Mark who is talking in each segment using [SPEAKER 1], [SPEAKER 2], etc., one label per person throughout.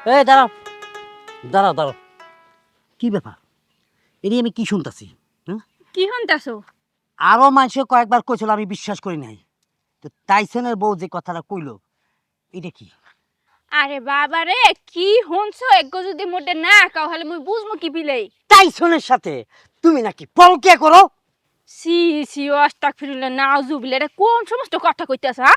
[SPEAKER 1] এই দাঁড়াও দাঁড়াও দাঁড়াও, কি ব্যাপার? এটি আমি কি শুনতাছি? হ্যাঁ,
[SPEAKER 2] কি হন্তাছো?
[SPEAKER 1] আরো মানুষে কয়েকবার কইছিল, আমি বিশ্বাস করি নাই। তো টাইসনের বউ যে কথাটা কইলো, এটা কি?
[SPEAKER 2] আরে বাবা রে, কি হনছো? একগো যদি মোটে না কাও হলে মুই বুঝমু কি বিলেই।
[SPEAKER 1] টাইসনের সাথে তুমি নাকি পরকিয়া করো?
[SPEAKER 2] সি সি আস্তাগফিরুল্লাহ নাউজুবিল্লাহ, এটা কোন সমস্ত কথা কইতাছ? হ্যাঁ,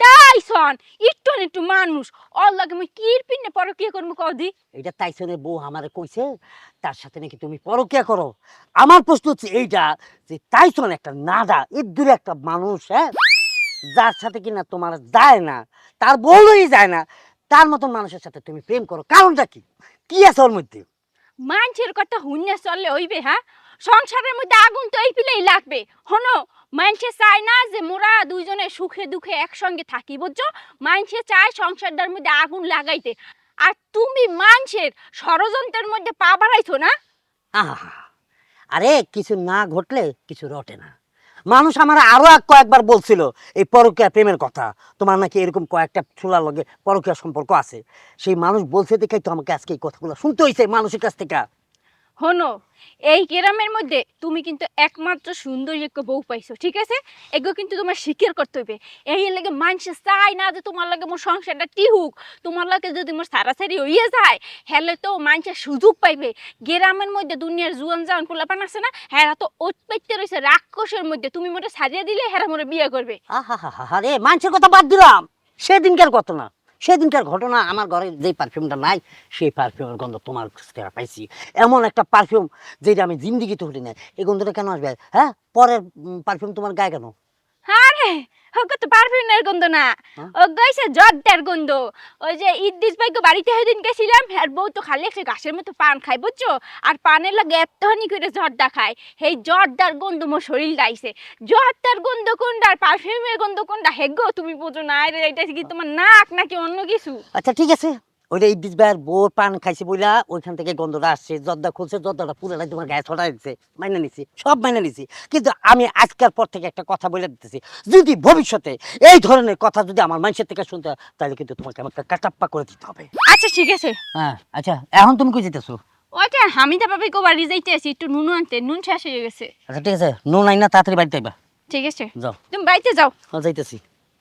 [SPEAKER 2] টাইসন একটু মানুষ, ওর লাগে মুই কিরপিনে পর কি করমু কদি?
[SPEAKER 1] এটা টাইসনের বউ আমারে কইছে, তার সাথে নাকি তুমি পরকিয়া করো। আমার প্রশ্ন হচ্ছে এইটা, যে টাইসন একটা নাদা এর দূরে একটা মানুষ, হ্যাঁ, যার সাথে কিনা তোমার যায় না, তার বউই যায় না, তার মতন মানুষের সাথে তুমি প্রেম করো, কারণটা কি? কি আছে ওর মধ্যে?
[SPEAKER 2] মানুষের কথা হুইনা চললে হইবে? হ্যাঁ, সংসারের মধ্যে আগুন তো এই পিলেই লাগবে। হনো, মানুষে চায় না যে মোরা দুইজনে সুখে দুঃখে একসঙ্গে থাকি, বুঝছো? মানুষে চায় সংসারটার মধ্যে আগুন লাগাইতে। আর তুমি মানুষের ষড়যন্ত্রের মধ্যে পা বাড়াইছো না।
[SPEAKER 1] আহা, আরে কিছু না ঘটলে কিছু রটে না। মানুষ আমার আরো কয়েকবার বলছিল এই পরকীয়া প্রেমের কথা, তোমার নাকি এরকম কয়েকটা ছোলার লগে পরকীয়া সম্পর্ক আছে। সেই মানুষ বলছে দেখেই তো আমাকে আজকে এই কথাগুলো শুনতে হয়েছে মানুষের কাছ থেকে।
[SPEAKER 2] হনো, এই গ্রামের মধ্যে তুমি কিন্তু একমাত্র সুন্দরী একটা বউ পাইছো, ঠিক আছে? এগুলো কিন্তু তোমার স্বীকার করতে হইবে। এই লাগে মানুষে চায় না যে তোমার লাগে মোর সংসারটা টিহুক। তোমার লাগে যদি মোর সারাসারি হইয়া যায়, হেলে তো মানুষের সুযোগ পাইবে। গ্রামের মধ্যে দুনিয়ার জুয়ান জান পোলাপান আছে না, হেরা তো উৎপত্তি রয়েছে রাক্ষসের মধ্যে। তুমি মোটা সারিয়ে দিলে হেরা মোরে বিয়ে করবে।
[SPEAKER 1] আহা হা হা, আরে মানুষের কথা বাদ দিলাম, সেদিনকার ঘটনা। সেদিনকার ঘটনা, আমার ঘরে যেই পারফিউমটা নাই, সেই পারফিউমের গন্ধ তোমার কাছ থেকে পাইছি। এমন একটা পারফিউম যেটা আমি জিন্দিগিতে হতে নাই। এই গন্ধটা কেন আসবে? হ্যাঁ, পরের পারফিউম তোমার গায়ে কেন?
[SPEAKER 2] আরে ওকে তো পারফিউমের গন্ধ না,
[SPEAKER 1] হ্যাঁ?
[SPEAKER 2] ও গাইছে জর্দার গন্ধ। ওই যে ইদ্দিস ভাইকে বাড়িতে সেদিন গেছিলাম, আর বউ তো খালি একটা ঘাসের মতো পান খায়, বুঝছো? আর পানের লাগে এতখানি করে জর্দা খায়, সেই জর্দার গন্ধ মোর শরীর গাইছে। জর্দার গন্ধ কোনটা আর পারফিউমের গন্ধ কোনটা হেগো তুমি বোঝো না? আরে এটা কি তোমার নাক নাকি অন্য কিছু?
[SPEAKER 1] আচ্ছা ঠিক আছে, ওইটা ইদ্দিস ভাইয়ের বউর পান খাইছে বইলা ওইখান থেকে গন্ধটা আসছে, জর্দা খুলছে, জর্দাটা পুরাটাই তোমার গায়ে ছড়াই দিচ্ছে, মাইনে নিছি, সব মাইনে নিছি। কিন্তু আমি আজকের পর থেকে একটা কথা বলে দিতেছি, যদি ভবিষ্যতে এই ধরনের কথা যদি আমার মানুষের থেকে শুনতে হয়, তাহলে কিন্তু তোমাকে আমাকে কাটাপ্পা করে দিতে হবে।
[SPEAKER 2] আচ্ছা ঠিক আছে।
[SPEAKER 1] হ্যাঁ আচ্ছা, এখন তুমি কই যেতেছো?
[SPEAKER 2] ওইটা হামিদা বাবাই কো বাড়ি যাইতে আছি, একটু নুন আনতে, নুন শেষ হয়ে গেছে।
[SPEAKER 1] আচ্ছা ঠিক আছে, নো নাই না, তাড়াতাড়ি বাড়িতে আইবা।
[SPEAKER 2] ঠিক আছে,
[SPEAKER 1] যাও।
[SPEAKER 2] তুমি বাড়িতে যাও।
[SPEAKER 1] হ্যাঁ যাইতেছি।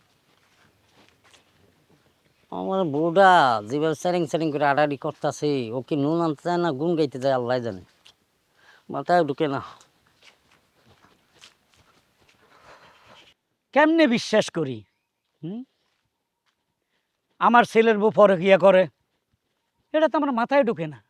[SPEAKER 1] আমার বউটা যেভাবে স্যারিং স্যারিং করে আড়াআড়ি করতেছে, ও কি নুন আনতে যায় না গুন গাইতে যায় আল্লাহ জানে, মাথায় ঢুকে না।
[SPEAKER 3] কেমনে বিশ্বাস করি? হুম? আমার ছেলের বউ পরকিয়া করে, এটা তো আমার মাথায় ঢুকে না।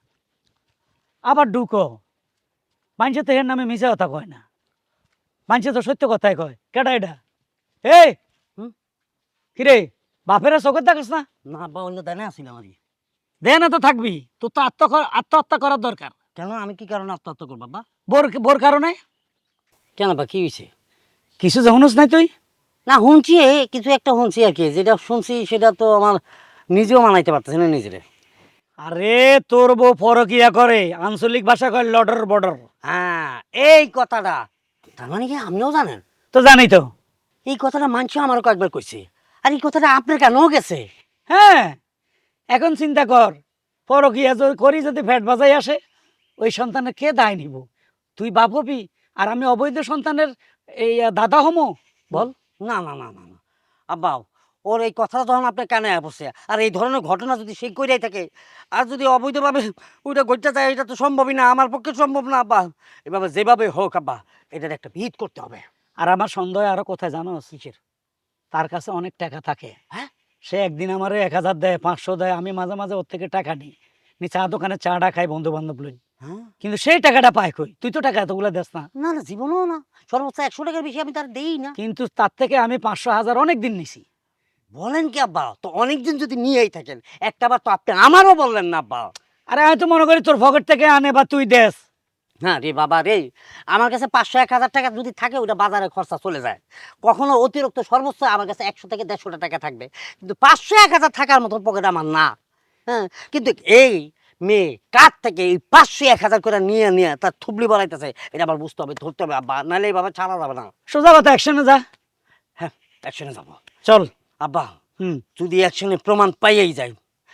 [SPEAKER 3] আবার ঢুকো, মানুষে তো এর নামে মিশা কথা কয় না, মানুষে তো সত্য কথাই কয়। কেডা এটা? এই
[SPEAKER 1] হুম?
[SPEAKER 3] কিরে, বাপেরা চোখের দেখাস না?
[SPEAKER 1] না বা অন্য দানে আসিল আমারই।
[SPEAKER 3] দে না তো থাকবি, তোর তো আত্মহত্যা করার দরকার।
[SPEAKER 1] কেন, আমি কি কারণে আত্মহত্যা করবো বাবা?
[SPEAKER 3] বোর বোর কারণে?
[SPEAKER 1] কেন বা কি হয়েছে?
[SPEAKER 3] কিছু জানুস নাই তুই?
[SPEAKER 1] না শুনছি, কিছু একটা শুনছি আর কি, যেটা শুনছি সেটা তো আমার নিজেও মানাইতে পারতেছি না নিজেরে।
[SPEAKER 3] আরে তোর বউ পরকিয়া করে, আঞ্চলিক ভাষা কয় লডর বর্ডর।
[SPEAKER 1] হ্যাঁ, এই কথাটা, তার মানে কি আপনিও জানেন?
[SPEAKER 3] তো জানি তো।
[SPEAKER 1] এই কথাটা মানছি, আমারও কয়েকবার কইছে। আর এই কথাটা আপনার কেন গেছে?
[SPEAKER 3] হ্যাঁ, এখন চিন্তা কর, পরকিয়া করি যদি ফ্যাট বাজাই আসে, ওই সন্তানের কে দায় নিব? তুই বাপ হবি আর আমি অবৈধ সন্তানের এই দাদা হমো? বল।
[SPEAKER 1] না না না না না আব্বা, ওর এই কথাটা যখন আপনার কানে বসে, আর এই ধরনের ঘটনা যদি সে কইরাই থাকে, আর যদি অবৈধভাবে ওইটা ঘটতে যায়, এটা তো সম্ভবই না, আমার পক্ষে সম্ভব না আব্বা। এভাবে যেভাবে হোক আব্বা, এটার একটা ভিত করতে হবে।
[SPEAKER 3] আর আমার সন্দেহ আরো কোথায় জানো? কিসের? তার কাছে অনেক টাকা থাকে।
[SPEAKER 1] হ্যাঁ?
[SPEAKER 3] সে একদিন আমার 1,000 দেয়, 500 দেয়, আমি মাঝে মাঝে ওর থেকে টাকা নিই, নি চা দোকানে চাটা খাই বন্ধু বান্ধব লই।
[SPEAKER 1] হ্যাঁ,
[SPEAKER 3] কিন্তু সেই টাকাটা পায় কই? তুই তো টাকা এতগুলো দেস না।
[SPEAKER 1] না না, জীবনও না, সর্বোচ্চ 100 টাকার বেশি আমি তার দেই না।
[SPEAKER 3] কিন্তু তার থেকে আমি 500 1000 অনেক দিন নিছি।
[SPEAKER 1] বলেন কি আব্বা? তো অনেকদিন যদি নিয়েই থাকেন, একটাবার তো আপনি আমারও বললেন না আব্বা।
[SPEAKER 3] আরে আমি তো মনে করি তোর পকেট থেকে আনে বা তুই দেস।
[SPEAKER 1] হ্যাঁ রে বাবা রে, আমার কাছে 500 1000 টাকা যদি থাকে, ওটা বাজারে খরচা চলে যায়। কখনো অতিরিক্ত সর্বোচ্চ আমার কাছে 100 থেকে 150 টাকা থাকবে, কিন্তু 500 1000 থাকার মতন পকেট আমার না। হ্যাঁ, কিন্তু এই মেয়ে কার থেকে এই 500 1000 করে নিয়ে নিয়ে তার থুবলি বাড়াইতেছে, এটা আবার বুঝতে হবে, ধরতে হবে আব্বা, নাহলে এইভাবে ছাড়া যাবে না।
[SPEAKER 3] সোজা কথা, অ্যাকশনে যা।
[SPEAKER 1] হ্যাঁ, অ্যাকশনে যাবো।
[SPEAKER 3] চল।
[SPEAKER 1] আব্বা,
[SPEAKER 3] হুম।
[SPEAKER 1] যদি অ্যাকশনে প্রমাণ পাইয়েই যায়,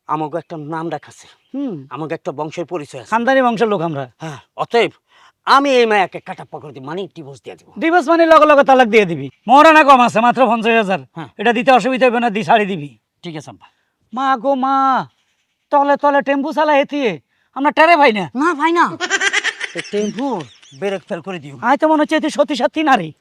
[SPEAKER 1] আমাকে একটা নাম রাখাছে, আমাকে একটা বংশের পরিচয় আছে।
[SPEAKER 3] খানদানি বংশের লোক আমরা।
[SPEAKER 1] হ্যাঁ, অতএব আমি এই মায়াকে কাটা পকড় দিই, মানে ডিভোর্স দিয়ে দিব।
[SPEAKER 3] ডিভোর্স মানে লগে লগে তালাক দিয়ে দিবি। মহারানা কম আছে মাত্র 50,000।
[SPEAKER 1] হ্যাঁ।
[SPEAKER 3] এটা দিতে অসুবিধা হবে না, দি ছাড়ি দিবি।
[SPEAKER 1] ঠিক আছে আব্বা।
[SPEAKER 3] মা গো মা, তলে তলে টেম্পু চালা হেতিয়ে আমরা টেরে ভাই না।
[SPEAKER 1] না ভাই না, টেম্পু ব্রেক ফেল করে দিও।
[SPEAKER 3] আয় তো মনে হচ্ছে তুই সত্যি সত্যি নারী।